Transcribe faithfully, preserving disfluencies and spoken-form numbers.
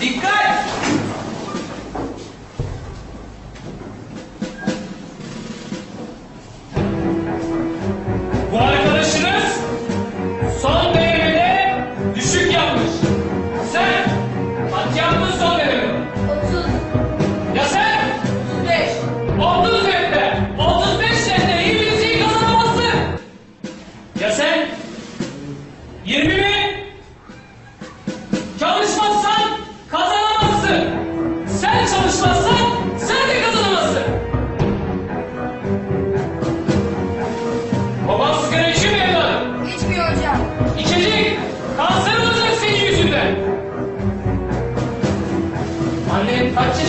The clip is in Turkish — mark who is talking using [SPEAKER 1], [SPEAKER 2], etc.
[SPEAKER 1] Dikkat! Bu arkadaşınız son denemede düşük yapmış. Sen kaç yaptın son deneme?
[SPEAKER 2] otuz.
[SPEAKER 1] Ya sen?
[SPEAKER 2] otuz beş.
[SPEAKER 1] otuz nette. otuz beş nette İngilizceyi kazanamazsın. Ya sen? yirmi mi? Çalışmazsan kazanamazsın. Sen çalışmazsan sen de kazanamazsın. Baban sigara içiyor mu evladım?
[SPEAKER 2] İçmiyor hocam.
[SPEAKER 1] İçecek. Kanser olacak senin yüzünden. Annen kaç